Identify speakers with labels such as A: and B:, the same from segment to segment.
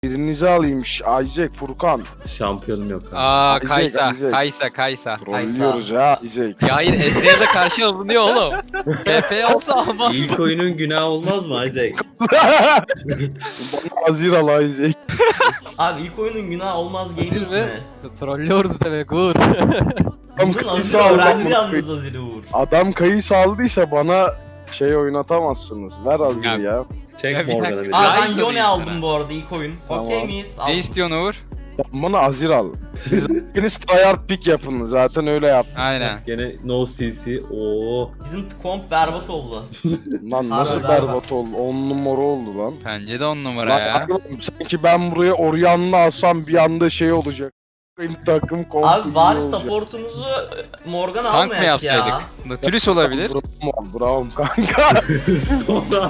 A: Birinizi alayım. Isaac, Furkan.
B: Şampiyonum yok.
C: Aa
A: Isaac,
C: Kaysa,
A: Isaac.
C: Kaysa.
A: Trollüyoruz ya Isaac.
C: Ya hayır Ezreal'e karşı alınıyor oğlum. PP olsa almaz.
B: İlk oyunun günahı olmaz mı Isaac?
A: Bana hazır al Isaac.
D: Abi ilk oyunun günah olmaz
E: Hazır
D: gaming
E: mı?
D: mi?
E: Trollüyoruz demek Uğur.
A: Adam
D: Bunun
A: kayısı
D: Azir
A: aldı.
D: öğrendi yalnız Azir'i Uğur.
A: Adam kayısı aldıysa bana şey oynatamazsınız. Ver hazır
C: Ya.
A: ya.
B: Çek
C: Ya bir
B: Morgan'a bir.
D: Aa ben
C: Ryze'ı
D: Yone
C: diyeyim
D: aldım
C: sana.
D: bu arada ilk oyun.
A: Tamam.
D: Okey miyiz?
C: Ne
D: Aldım.
C: istiyorsun Uğur?
A: Sen bana hazır al. Siz ikiniz tryhard pick yapın. Zaten öyle yap.
C: Aynen.
B: Gene no CC. Oo.
D: Bizim komp berbat oldu.
A: Lan nasıl
D: Harbi,
A: berbat oldu? 10 numara oldu lan.
C: Bence de 10 numara
A: Lan
C: ya.
A: oğlum, sanki ben buraya Orion'la alsam bir anda şey olacak. Benim takım komple
D: Abi bari
A: olacak.
D: supportumuzu Morgan
C: Tank mı
D: almayak ya.
C: yapsaydık? Nautilus olabilir.
A: Bravo kanka.
B: Sonra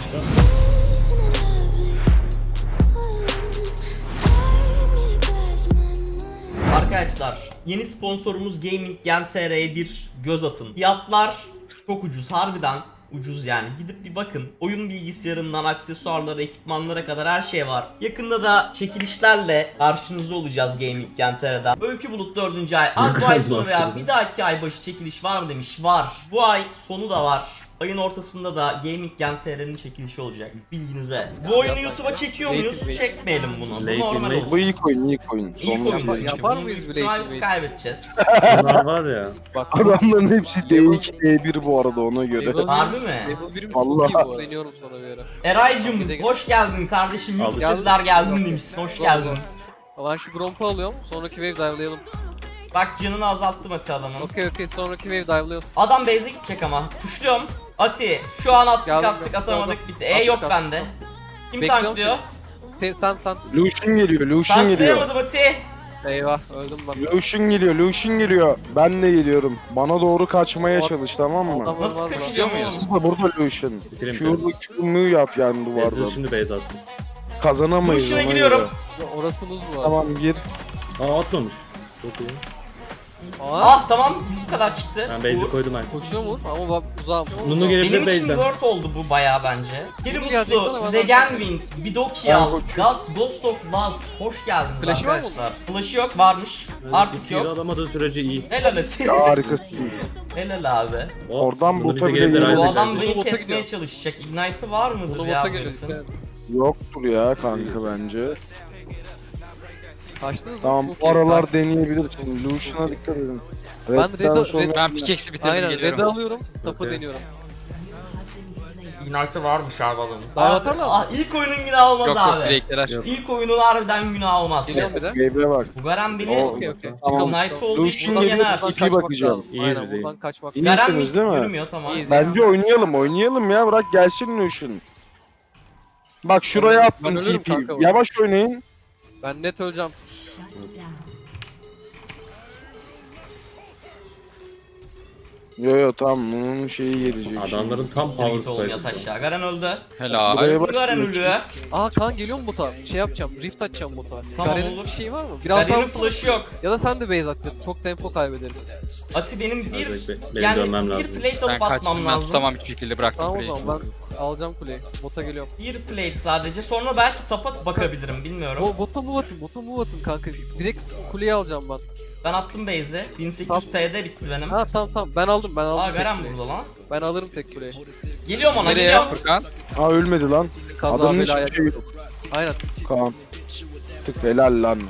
D: Arkadaşlar yeni sponsorumuz Gaming Gen TR'ye bir göz atın. Fiyatlar çok ucuz, harbiden ucuz yani. Gidip bir bakın. Oyun bilgisayarından aksesuarlara, ekipmanlara kadar her şey var. Yakında da çekilişlerle karşınızda olacağız Gaming Gen TR'den. Öykü Bulut 4. ay. Abi bu ay sonu veya bir dahaki ay başı çekiliş var mı demiş. Var. Bu ay sonu da var. Ayın ortasında da Gaming Gen TR'nin çekilişi olacak. Bilginize. Bu oyunu YouTube'a çekiyor muyuz? Çekmeyelim bunu. Bu normal olsun.
A: Bu ilk oyun, ilk oyun.
D: İlk
A: Sonra
D: oyun.
E: Yapar
D: Bunu
E: mıyız
D: büyük
E: bile
D: ihtimalle
E: ilk
D: biz
E: oyun?
D: kaybedeceğiz.
B: bunlar var ya.
E: Bak
A: adamların hepsi D2, D1 bu arada ona göre.
D: Harbi mi?
E: Level 1'im
A: Allah.
E: çok iyi bu arada. Deniyorum sonra bir ara.
D: Eray'cım hoş geldin kardeşim.
B: Aldım.
D: YouTube'lar geldin demişsin. Hoş geldin.
E: Ben şu Gromp'u alıyorum. Sonraki wave dive'layalım.
D: Bak canını azalttım Ati adamın.
E: Okey sonraki wave dive'layalım.
D: Adam base'e gidecek ama. Tuşluyorum. Ati şu an attık
E: Geldim,
D: attık
E: geldim.
D: atamadık bitti.
E: Attık,
D: Yok
E: attık.
D: bende. Kim
E: Bekliyorum
D: tanklıyor?
E: Sen.
A: Lucian geliyor, Lucian geliyor.
D: Tanklayamadım Ati.
E: Eyvah öldüm ben.
A: Lucian geliyor, Lucian geliyor. Ben de geliyorum. Bana doğru kaçmaya çalış, tamam mı?
E: Adam
D: Nasıl
E: var
D: kaçacağım
C: muyuz?
D: oğlum?
A: Burada Lucian.
B: Bitirin
A: Şurada Q'mu yap yani
B: Ezreal
A: duvardan.
B: şimdi base attım.
A: Kazanamayız
D: Lucian'a
A: ona
D: giriyorum.
A: göre.
E: Orası buz bu arada.
A: Tamam gir.
B: Aa atmamış. Çok iyi.
E: Aa,
D: Ah tamam bu kadar çıktı.
B: Ben base'i
D: Uğur.
B: koydum ben.
E: koşuyor mu? Ama bak uzağım.
B: Nunu gelebilir
D: Benim için
B: base'den.
D: word oldu bu bayağı bence. Geri
E: gelecek sana,
D: Muslu,
E: ben
D: Degenwind, Bidokial,
A: Ben
D: Gus, Ghost of Last. Hoş geldiniz
E: Flash'ı var mı?
D: arkadaşlar. Flash'ı yok varmış. Artık
B: Tiro
D: yok.
B: alamadığı sürece iyi.
D: Helal Ati.
A: Ya harikasın.
D: Helal abi.
B: Oh,
A: Oradan
B: bunu
A: bota
B: bize
A: bile
B: gelirler,
A: geliyor.
D: Bu
B: Isaac
D: adam
B: bence.
D: beni
E: Bota
D: kesmeye
E: gidiyor.
D: çalışacak. Ignite'ı var mıdır
E: Bunu
D: ya
E: bota
D: bu
E: geliyor.
D: herifin?
A: Yoktur ya kanka bence.
E: Kaçtınız mı?
A: Tamam
E: Çok
A: bu
E: iyi.
A: aralar deneyebilirsin. Lucian'a dikkat edin.
E: Ben
A: Red'den
E: Red'e-
A: sonra-
C: Ben pickaxe'i bitirdim
E: Aynen red'i
C: geliyorum.
E: alıyorum. Tapı
B: Okey.
E: deniyorum.
D: Ignite'ı varmış abi adamın.
E: Daha
D: Abi,
E: atarlar mı?
D: ilk oyunun günahı olmaz
C: Yok
D: abi.
C: direktler.
B: Yok.
D: İlk oyunun harbiden günahı olmaz.
E: Geliyorum bir de.
A: Gabe'e bak.
D: Bu Garen beni
E: Okey.
A: Tamam.
D: Ignite oldu
A: Lucian
D: burada
A: geliyor,
D: yener.
A: TP
E: kaçmak
A: bakacağım.
E: lazım.
B: İyiyiz
E: Aynen
B: biz,
E: buradan kaçmak
A: İyi.
E: lazım.
D: Garen
A: İyisiniz
D: mid
A: değil mi?
D: yürümüyor tamam.
E: İyiyiz.
A: Bence oynayalım ya, bırak gelsin Lucian. Bak şuraya
E: Ben
A: attım
E: ölürüm
A: TP.
E: kanka bak.
A: Yavaş oynayın.
E: Ben net öleceğim.
A: Yo tamam bunun şeyi gelecek.
B: Adamların tam power
D: Git oğlum yat
B: spike.
D: aşağı. Garen öldü.
C: Helal.
A: Buraya bak.
D: Garen ölüyor.
E: Aa Kaan geliyor mu bota? Şey yapacağım. Rift açacağım bota.
D: Tamam,
E: Garen'in
D: olur.
E: bir şeyi var mı? Biraz
D: Garen'in
E: daha
D: flash'ı yok.
E: ya da sen de base at. Çok tempo kaybederiz.
D: Ati benim bir
B: Benim
D: yani
B: dönmem
D: bir
B: lazım.
D: plate
C: Ben
D: alıp atmam
C: kaçtım ben
D: lazım.
C: tutamam hiçbir şekilde bıraktım
E: Tamam o
C: kuleyi.
E: zaman ben alacağım kuleyi. Bota geliyorum.
D: Bir plate sadece. Sonra belki tapa bakabilirim bilmiyorum.
E: Bota move atın kanka. Direkt kuleyi alacağım ben.
D: Ben attım base'i. 1800 P'de bitti benim.
E: Ha tamam ben aldım
D: Aa
E: tek
D: Garen
E: kuleyi.
D: burada lan.
E: Ben alırım tek kuleyi.
D: Geliyorum ona
C: Nereye
D: geliyorum.
C: Furkan?
A: Ha ölmedi lan.
E: Kaza
A: Adamın
E: belaya.
A: hiçbir şey yok.
E: Aynen.
A: Kaan. Tık helal lan.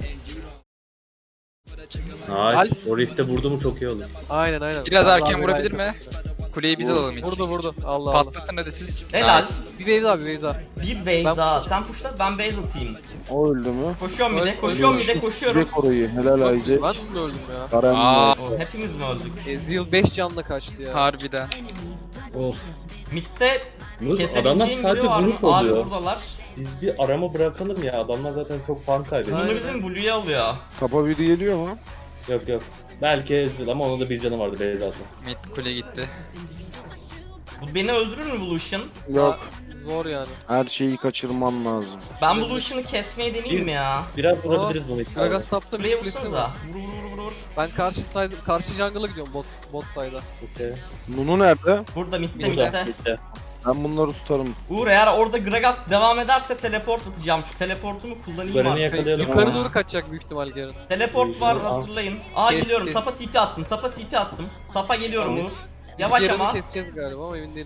B: Nice. O rift'e vurdu mu çok iyi olur.
E: Aynen.
C: Biraz
E: Kaza
C: erken
E: belaya.
C: vurabilir mi? Kuleyi biz alalım ilk.
E: Vurdu. Allah.
C: Patlatın hadi siz.
D: Helal.
C: Nice.
E: Bir wave daha.
D: Bir wave
E: Ben
D: daha. Sen pushla ben base atayım.
A: O öldü mü?
D: Koşuyorum bir de.
E: Öldü.
D: Koşuyorum bir de koşuyorum.
A: Direkt orayı. Helal Isaac.
E: Ben de öldüm ya.
A: Karen
C: Aa.
D: O, hepimiz mi öldük?
E: Ezreal 5 canla kaçtı ya.
C: Harbiden.
B: Of.
D: Mid'de
B: Adamlar
D: kesebileceğim
B: sadece
D: biri var mı?
B: grup
D: Abi
B: oluyor.
D: buradalar.
B: Biz bir arama bırakalım ya. Adamlar zaten çok fark kaybediyor.
E: Aynen.
D: Bunu bizim Blue'ya alıyor.
A: Tapa biri geliyor mu?
B: Yok. Belki Ezreal ama onun da bir canı vardı base zaten.
C: Mid kule gitti.
D: Bu beni öldürür mü Blue'şın?
A: Yok.
E: Zor yani.
A: Her şeyi kaçırman lazım.
D: Ben Blue'şını kesmeyi deneyeyim mi ya?
B: Biraz vurabiliriz bunu.
E: Gragas tapta
D: Kuleye
E: bir kulesi
D: vursanıza.
E: var.
D: Vur.
E: Ben karşı jungle'a gidiyorum bot side'a.
B: Okey.
A: Nunu nerede?
D: Burada midde
E: Mid'de.
D: midde.
B: Bitti.
A: Ben bunları tutarım.
D: Uğur eğer orada Gragas devam ederse teleport atacağım. Şu teleportumu kullanayım
B: Garen'i
D: artık.
B: yakalayalım.
E: Yukarı doğru kaçacak büyük ihtimal Garen.
D: Teleport var hatırlayın. Aa
E: Kes,
D: geliyorum.
E: kes.
D: Tapa TP attım. Tapa TP attım. Tapa geliyorum
E: Tamam.
D: Uğur. Yavaş
E: Garen'i
D: ama.
E: keseceğiz galiba ama emin değilim.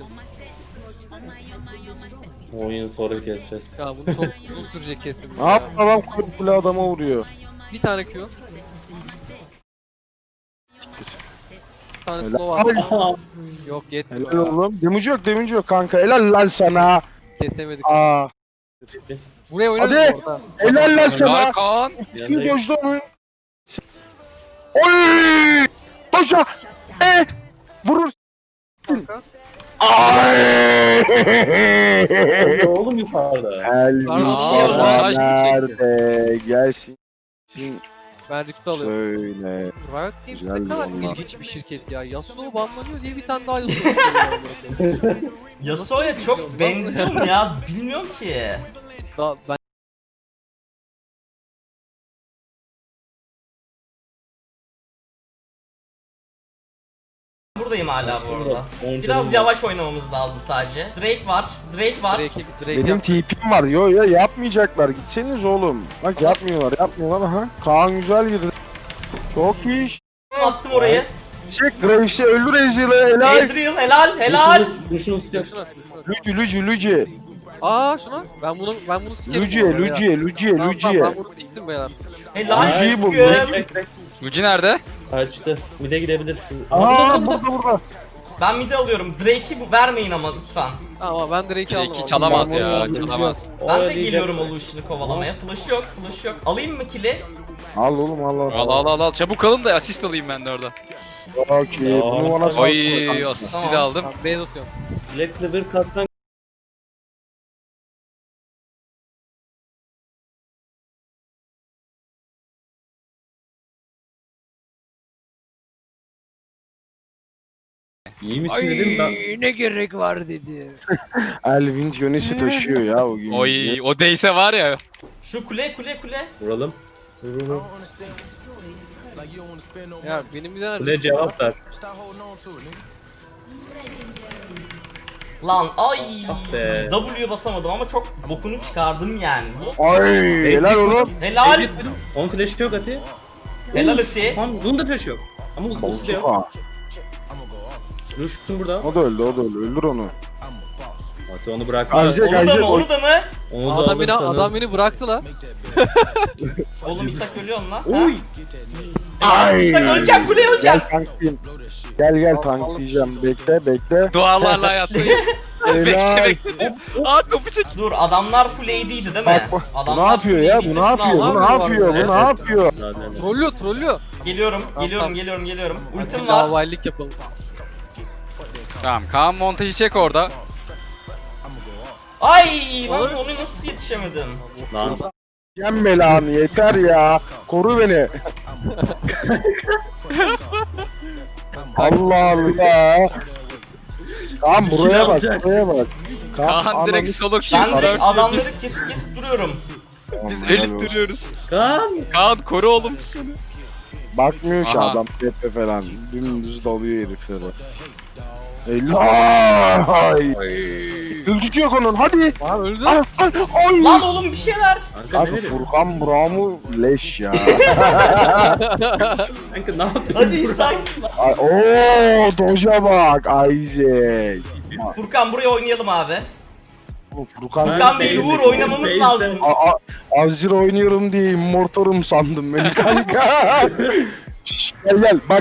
B: Oyunu sonra keseceğiz.
E: Ya bunu çok uzun sürecek kesmemiz.
A: Ne
E: ya.
A: yaptı adam kule adama vuruyor.
E: Bir tane Q. Bir tane
A: Helal.
E: slow var.
B: Aha.
E: Yok
A: Helal
E: yetmiyor ya.
A: oğlum. Damage yok kanka. Helal lan sana.
E: Kesemedik.
A: Aa.
E: Buraya oynarız
A: Hadi.
E: bu arada.
A: Helal lan sana.
C: Helal Kaan.
A: Kim dojdu onu? Oy! Doja! Vurur.
E: Kanka.
A: Ay!
B: Ne oğlum yukarıda?
A: Elvis
E: Pardon,
C: şey
A: nerede? Gelsin.
E: Ben Rift'i alıyorum.
A: Şöyle.
E: Riot Games
A: Güzel
E: ne kadar
A: onlar.
E: ilginç bir şirket ya. Yasuo banlanıyor diye bir tane daha Yasuo çıkarıyor.
D: Yasuo'ya çok benziyor mu ya? Bilmiyorum ki.
E: Daha ben
D: Buradayım hala bu arada.
B: On
D: Biraz
B: canım
D: yavaş oynamamız lazım sadece. Drake var. Drake var.
E: Drake
A: Benim
E: yap.
A: TP'm var. Yo yo yapmayacaklar. Gitseniz oğlum. Bak yapmıyorlar. Aha. Kaan güzel girdi. Çok iyi iş.
D: Attım orayı.
A: Çek Graves'i öldür Ezreal'ı helal.
D: Ezreal helal helal.
B: Duşun sıcak.
E: Şuna, şuna.
A: Luci.
E: Aa şuna. Ben bunu sikerim.
A: Luci.
E: bu arada ya. Tamam, ben bunu siktim beyler.
D: Helal.
A: Luci'yi bul,
D: Üzgün.
C: Luigi nerede?
B: Kaçtı. Mide gidebilir şu.
A: Aa burada.
D: Ben midi alıyorum. Drake'i vermeyin ama lütfen.
E: Ama ben Drake'i aldım.
C: Drake'i
E: abi.
C: çalamaz
A: Ben
C: ya,
A: bunu
C: çalamaz.
D: Ben de geliyorum Olution'u kovalamaya. Flash yok. Alayım mı kill'i?
A: Al oğlum
C: Al. Çabuk alın da asist alayım ben de orada.
A: Okey. Bunu bana sal.
C: Oy asisti
D: Tamam.
C: de aldım.
E: Ben base atıyorum.
B: Black'le bir kattan İyi misin dedim ben.
E: ne gerek var dedi.
A: Elvin Jones'i taşıyor ya o gün.
C: Oy o değse var ya.
D: Şu kule.
B: Vuralım. Vur.
E: Ya benim bir tane
B: Ne cevap ver.
D: Lan ay.
B: Ah be.
D: W basamadım ama çok bokunu çıkardım yani.
A: Ay helal oğlum.
D: Helal.
B: Onun flash'ı yok Ati.
D: Helal Ati.
B: Tamam bunun da flash'ı yok. Ama bu da yok.
A: Aa,
B: Ruştun burada.
A: o da öldü. Öldür onu.
B: Ati onu bırak.
A: Isaac,
D: Onu da mı?
B: Onu da
E: adam beni bıraktı la.
D: Oğlum İshak ölüyor lan.
B: Oy.
A: Ay.
D: İshak öleceğim kuleye öleceğim.
A: Gel tanklayayım. Gel tanklayacağım. Bekle.
C: Dualarla hayattayız.
A: Helal.
C: bekle. Aa kapı çek.
D: Dur adamlar full AD'ydi değil mi?
A: Bak, bu ne
D: Adamlar
A: yapıyor
D: full
A: ya?
D: AD 'yse
A: Bu ne yapıyor?
D: şunu al.
A: Bu ne yapıyor? Bu ne yapıyor?
E: Trollüyor.
D: Geliyorum.
E: Tamam.
D: Ultim var.
E: Davaylık yapalım.
C: Tamam Kaan montajı çek orada.
D: Ay lan onu nasıl yetişemedim?
B: Lan.
A: Yem belanı yeter ya. Koru beni. Allah Allah. Kaan buraya bak.
C: Kaan direkt solo
D: Ben
C: kills
D: de
C: var.
D: adamları kesip duruyorum.
C: Biz ölüp duruyoruz.
B: Kan.
C: Kaan koru oğlum.
A: Bakmıyor ki
C: Aha.
A: adam tepe falan. Dümdüz dalıyor heriflere. Helal. Öldücü yok onun hadi.
E: Aa öldü.
A: Ay.
D: Lan oğlum bir şeyler.
B: Kanka
A: Abi
B: ne dedin?
A: Furkan Braum'u leş ya.
B: Kanka ne yaptın?
D: Hadi İshak.
A: Ay, ooo Doja bak Isaac.
D: Furkan buraya oynayalım abi.
A: Furkan
D: Furkan değil Uğur oynamamız lazım.
A: Azir oynuyorum diye immortorum sandım beni kanka. Şşş, gel bak.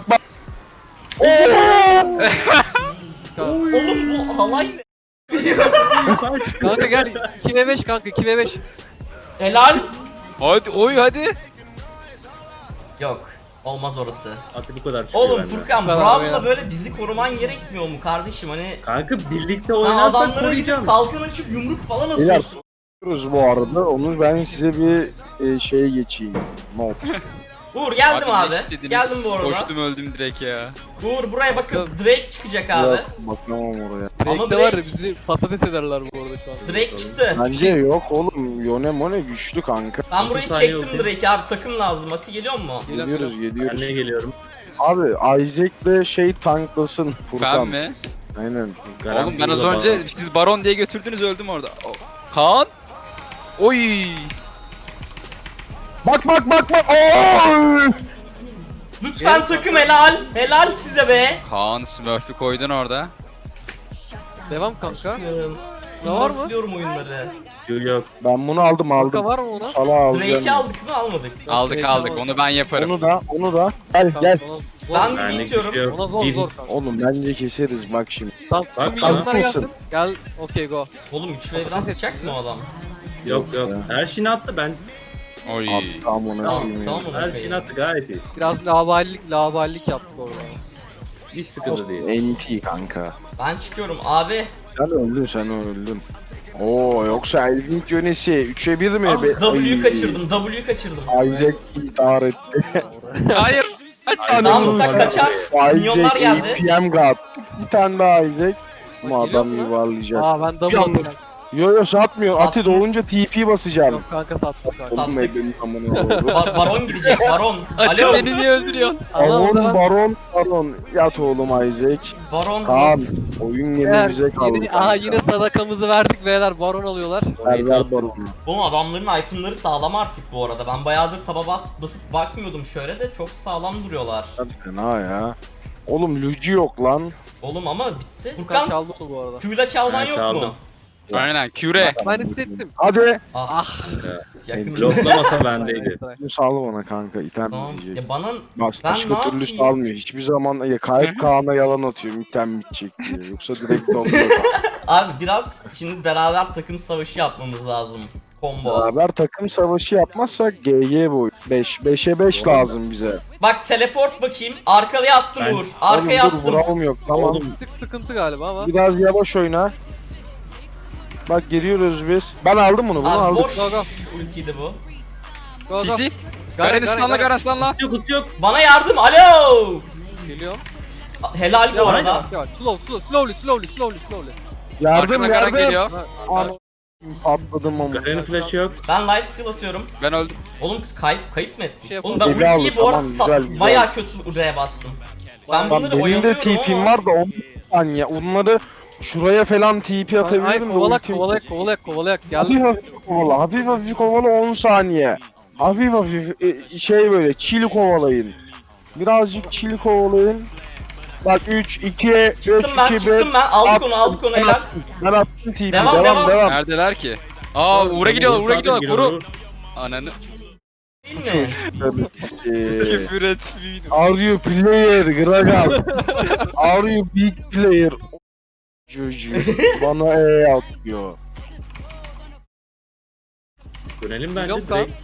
D: Oğlum bu halay ne?
E: Kanka gel 2v5 kanka 2v5.
D: Helal.
C: Hadi.
D: Yok. Olmaz orası.
B: Ati bu kadar çıkıyor
D: Oğlum
B: benden.
D: Furkan
E: Beraber
D: Braum'la
E: ya.
D: böyle bizi koruman gerekmiyor mu kardeşim hani?
B: Kanka birlikte
D: Sen
B: oynarsak
D: adamlara gidip
B: koruyacağım.
D: kalkan açıp yumruk falan
A: Beyler.
D: atıyorsun.
A: Bu arada onu ben size bir şey geçeyim. Not.
D: Uğur geldim abi.
C: ne istediniz?
D: Geldim bu arada.
C: Koştum öldüm direkt ya.
D: Uğur buraya bakın Drake çıkacak abi.
A: Yok, bakamam oraya.
D: Ama
E: Drake'de var ya bizi patates ederler bu arada şu an.
D: Drake çıktı.
A: Bence yok oğlum. Yone Mone güçlü kanka.
D: Ben burayı
B: 30 saniye
D: çektim
B: oldu.
D: Drake abi takım lazım. Ati geliyor mu?
A: Geliyoruz.
B: Ben de geliyorum.
A: Abi Isaac de şey tanklasın
C: Ben
A: Furkan.
C: mi?
A: Aynen.
C: Oğlum ben az önce siz baron diye götürdünüz öldüm orada. Kaan. Oy.
A: Bak. Oy!
D: Lütfen takım helal. Helal size be.
C: Kaan Smurf'ü koydun orada.
E: Devam kanka.
D: Ne
E: var mı?
D: Biliyorum oyunları.
B: Yok.
A: Ben bunu aldım.
E: Kanka var mı ona?
A: Sala alacağım.
D: Drake'i aldık mı almadık.
C: Aldık onu ben yaparım.
A: Onu da. Gel.
D: Ben
B: Benlik
D: bir
B: bir şey
D: bitiyorum.
B: yok.
E: Ona zor
B: Bir-
E: zor kanka.
A: Oğlum bence keseriz bak şimdi.
E: Tamam
B: Bak,
E: şu milyonlar
A: tamam.
E: gelsin. Gel okey go.
D: Oğlum 3v1 atacak mı o adam?
B: Yok. Her şeyini attı ben.
C: Oy.
A: Abi tamam
D: Tamam tamam.
B: Her şeyini attı gayet iyi.
E: Biraz laballik yaptık orada.
B: Hiç sıkıntı değil.
A: NT kanka.
D: Ben çıkıyorum abi.
A: Sen öldün. Oo yoksa Elvin yönesi 3'e 1 mi?
D: Abi W'yu
A: Ay,
D: kaçırdım. W'yu kaçırdım.
A: Isaac intihar etti.
C: Hayır.
D: Tamam sen kaçar. Milyonlar
A: Isaac
D: geldi.
A: APM God. Bir tane daha Isaac. Ama
E: Geliyor
A: adam
E: mu?
A: yuvarlayacak.
E: Aa ben double
A: Yalnız-
E: atacağım.
A: Yo satmıyor. Ati
D: Sattınız.
A: doğunca TP basacağım.
E: Yok kanka sattım kanka.
A: Oğlum
D: sattık.
A: benim amına koyayım.
D: Baron gidecek Baron.
C: Ati
D: Alo.
C: beni niye öldürüyorsun?
A: Baron. Yat oğlum Isaac.
D: Baron.
A: Kaan. Oyun yeni bize kaldı.
E: Yine sadakamızı verdik beyler baron alıyorlar.
A: Ver Baron'u.
D: Oğlum adamların itemları sağlam artık bu arada. Ben bayağıdır taba basıp bakmıyordum şöyle de çok sağlam duruyorlar.
A: Hadi fena ya. Oğlum Luigi yok lan.
D: Oğlum ama bitti.
E: Furkan
D: Furkan
E: çaldı mı bu arada?
D: Q'yla çalman
B: Ben
D: yok
B: çaldım.
D: mu?
C: Aynen küre.
E: Ben hissettim.
A: Hadi.
D: Yakın.
B: Bloklamasa bendeydi.
A: Bunu sal bana kanka. İtem
D: Tamam.
A: bitecek.
D: Ya bana
A: Başka
D: ne
A: türlü
D: yapayım?
A: salmıyor. Hiçbir zaman kayıp Kaan'a yalan atıyor. İtem bitecek diye. Yoksa direkt doluyor.
D: abi biraz şimdi beraber takım savaşı yapmamız lazım. Combo.
A: Beraber takım savaşı yapmazsak GG boy. 5'e 5 lazım bize.
D: Bak teleport bakayım. Arkaya attım
B: Ben-
D: Uğur. Arkaya
A: Oğlum dur
D: attım.
A: vuralım yok. Tamam.
B: Oğlum
E: Bir tık sıkıntı galiba ama.
A: Biraz yavaş oyna. Bak geliyoruz biz. Ben aldım bunu. Bunu
D: Abi
A: aldım.
D: boş
E: Go, go.
D: ultiydi bu.
E: Go, go.
C: Sisi.
E: Garen,
C: Garen ıslanla Garen ıslanla.
B: yok.
D: Bana yardım. Alo.
E: Geliyorum.
D: Helal bu
E: Yavaş
D: arada.
E: yavaş. Slowly.
A: Yardım
C: Arkana Garen geliyor.
A: Ana atladım ama.
B: Garen'in flash'ı yok.
D: Ben lifesteal atıyorum.
C: Ben öldüm.
D: Oğlum kız kayıp mı ettik?
E: Şey
D: Oğlum ben
A: yapalım.
D: ultiyi
A: Eli
D: bu arada
A: aldı, tamam, güzel.
D: bayağı kötü R'ye bastım. Ben
A: Lan
D: bunları
A: benim de
D: oyalıyorum
A: TP'm
D: ama.
A: var da 10 saniye. Onları şuraya falan TP
E: Ay
A: atabilirim de
E: kovalak.
A: Hafif
E: Geldi.
A: hafif kovala 10 saniye. Hafif şey böyle chill kovalayın. Birazcık chill kovalayın. Bak 3 2 3 2
D: Çıktım ben. Aldık onu helal.
A: Ben attım TP.
D: Devam.
A: Devam.
C: Neredeler ki? Aa Uğur'a gidiyorlar Koru. Ananı.
D: Değil mi?
C: Küfür et.
A: Are you player Gragal? Are you big player? Çocuğu bana atıyor.
B: Dönelim bence
E: Yok
B: direkt.
E: lan.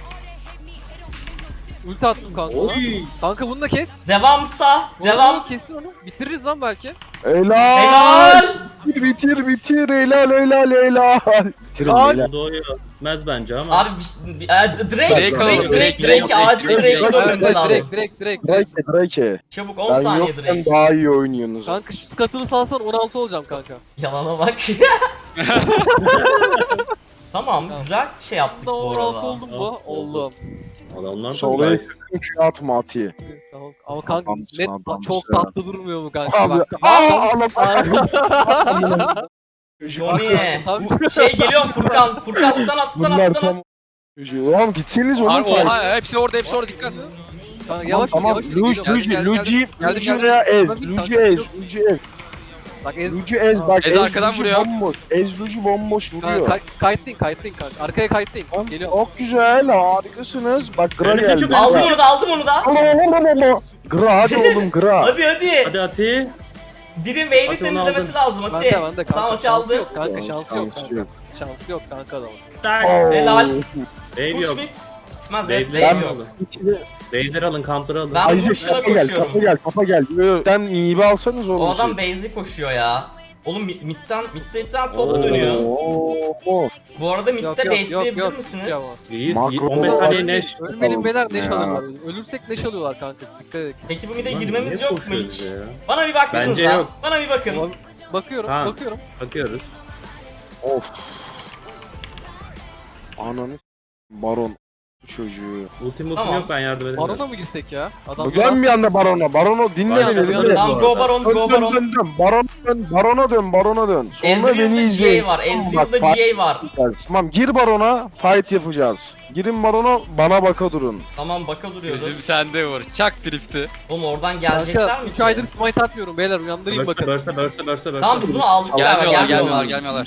E: Ulti attım kanka ona.
B: Oy.
E: Kanka bunu da kes.
D: Devamsa.
E: Bunu
D: Devam.
E: Kestin onu. Bitiririz lan belki.
A: Helal.
D: Helal.
A: Bitir helal. Bitirin
E: Ay.
A: helal.
B: Doğuyor. Bitmez bence ama.
D: Abi Drake acil Drake'i dönmemiz lazım.
E: Direkt.
A: Drake.
D: Çabuk 10
A: Ben
D: saniye
A: yokken
D: Drake.
A: daha iyi oynuyorsunuz.
E: Kanka şu skatılı salsan 16 olacağım kanka.
D: Yalana bak. Tamam güzel şey yaptık
E: Da
D: bu
E: 16
D: arada.
E: oldum mu? Oldum.
B: Adamlar da
A: Solaya
B: nice.
A: sakın Q atma Ati.
E: Tamam. Ama kanka
A: Adamsın,
E: net
A: adamsın.
E: çok tatlı durmuyor mu kanka?
A: Abi.
E: Bak.
D: Johnny.
E: Abi.
D: Şey geliyorum Furkan. Furkan stun at.
A: Bunlar tam... Oğlum gitseniz oğlum.
C: Oha hepsi orada dikkat.
E: Kanka yavaş
A: Tamam.
E: Luigi
A: Luigi veya Ez. Luigi Ez.
E: Bak ez.
A: Luigi Ez bak.
C: Ez arkadan
A: Luigi
C: vuruyor.
A: Bomboş. Ez Luigi bomboş vuruyor.
E: Kanka kayıtlayın kanka. Arkaya kayıtlayın. Geliyor.
A: Çok güzel harikasınız. Bak Gra
B: Öyle
A: geldi.
B: çok
D: Aldım onu da.
A: Gra hadi oğlum Gra.
D: Hadi.
B: Hadi Ati.
D: Biri wave'i
B: At onu
D: temizlemesi lazım
E: Ben
D: Ati.
E: de kanka.
D: Tamam Ati
E: Şansı
D: aldı.
E: yok kanka. Şansı yok
A: Şansı
E: kanka.
A: yok.
E: Şansı yok kanka adamın.
A: Oo.
D: Helal.
B: Wave
D: Push
B: yok.
D: mid. Bitmez
B: Wave'leri
D: wave yok.
B: alın. Wave'leri alın, counter'ı alın.
D: Ben
A: Ayşe
D: boşuna
A: kafa gel,
D: koşuyorum.
A: kafa gel. Sen iyi bir alsanız oğlum.
D: O adam base'i koşuyor ya. Oğlum midden top
B: Oo.
D: dönüyor.
A: Oo.
D: Bu arada midde
E: Yok
D: baitleyebilir
E: yok.
D: misiniz?
B: İyiyiz.
A: Makro
B: 15
A: olarak-
B: saniye neş.
E: Ölmenin beyler neş
A: Ya.
E: alırlar. Ölürsek neş alıyorlar kanka. Dikkat edin.
D: Peki bu mid'e
B: Lan
D: girmemiz
B: niye
D: yok mu
B: koşuyoruz
D: hiç?
B: ya?
D: Bana bir baksanıza.
B: Bence yok.
D: Bana bir bakın.
E: Bakıyorum.
B: Tamam.
E: Bakıyorum.
B: Bakıyoruz.
A: Of. Ananı Baron bu çocuğu.
B: Ultimatum
D: Tamam.
B: yok, ben yardım edemem.
E: Barona mı girsek ya? Adam
A: Dön bir anda Barona. Barona dinle
B: Barona
A: beni.
B: dön.
A: Dinle.
D: Tamam go Baron
A: Dön
D: go
A: dön
D: Baron.
A: dön dön. Barona dön. Barona dön. Sonra beni
D: Ezreal'da
A: izleyin.
D: GA var.
A: Bak,
D: Ezreal'da
A: fight
D: GA var.
A: yapacağız. Tamam gir Baron'a fight yapacağız. Girin Baron'a bana baka durun.
D: Tamam baka
C: Gözüm
D: duruyoruz.
C: sende vur. Çak drifti.
D: Oğlum oradan gelecekler
E: Kanka
D: mi
E: 3
D: ki?
E: aydır smite atmıyorum beyler uyandırayım bakın.
B: Bursa.
D: Tamam biz bunu aldık
C: Gelmiyorlar,
D: galiba.
C: gelmiyorlar.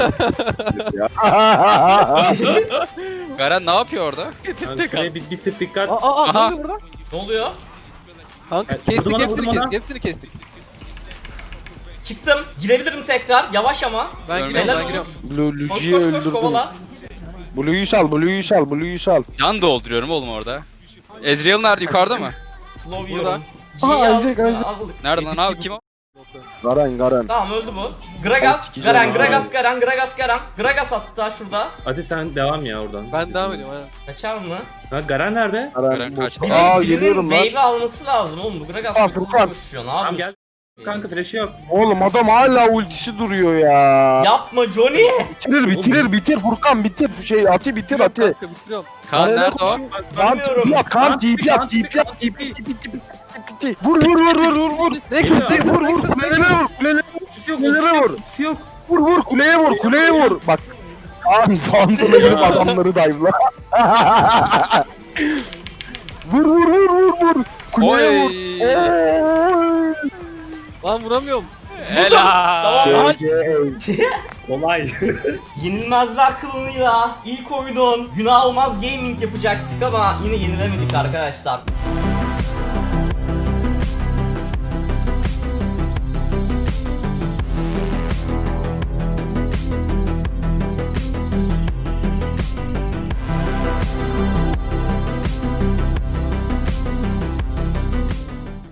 C: Garen ne yapıyor orada?
B: Şuraya bir tık dikkat.
E: Aa ne
C: Aha.
E: oluyor burada?
D: Ne oluyor?
E: Kanka
B: Evet,
E: kestik
B: vurdum ona,
E: hepsini
B: vurdum
E: kestik
B: ona.
E: hepsini kestik.
D: Çıktım. Girebilirim tekrar. Yavaş ama.
E: Ben
C: Görmedim.
E: giriyorum
D: Helal
E: ben giriyorum.
D: olur. Koş
A: Luci'yi
D: koş koş
A: öldürdüm.
D: kovala.
A: Blue'yu sal, Blue'yu sal, Blue'yu sal.
C: Can dolduruyorum oğlum orada. Ezreal nerede? Yukarıda mı?
D: Slow
E: Burada.
D: yiyorum.
A: Aha,
D: G'yi
A: Isaac,
D: aldık.
A: Isaac.
D: aldık.
C: Nerede lan abi? Kim o?
A: Garen.
D: Tamam öldü bu. Gragas,
A: sikeceğim
D: Garen,
A: abi.
D: Gragas. Gragas hatta şurada.
B: Hadi sen devam ya oradan.
E: Ben devam ediyorum aynen.
D: Kaçar mı?
B: Ha, Garen nerede?
C: Garen kaçtı.
A: Aa
D: Birinin
A: geliyorum lan.
D: wave'i alması lazım oğlum. Bu Gragas
A: Aa,
D: ultisi
A: Furkan.
D: koşuyor. Ne
B: Tamam
D: yapıyorsun?
B: gel. Kanka flash'ı yok.
A: Oğlum adam hala ultisi duruyor ya.
D: Yapma Johnny.
A: Bitir Furkan bitir. Şu şey atı bitir atı.
E: Kanka bitiriyorum.
C: Kaan
A: Arena
C: nerede o?
A: koşuyor.
D: Bilmiyorum.
A: Kan TP at. Vur.
E: Ne
A: Vur kulelere vur. Kulelere vur.
B: Ultisi yok.
A: Vur kuleye vur. Bak. Kaan Phantom'a girip adamları dive'la. Vur. Kuleye vur.
C: Oy.
A: Oy.
E: Lan vuramıyorum.
C: Helal.
D: Tamam.
B: Kolay.
D: Yenilmezler kılığıyla ilk oyunun günah olmaz gaming yapacaktık ama yine yenilemedik arkadaşlar.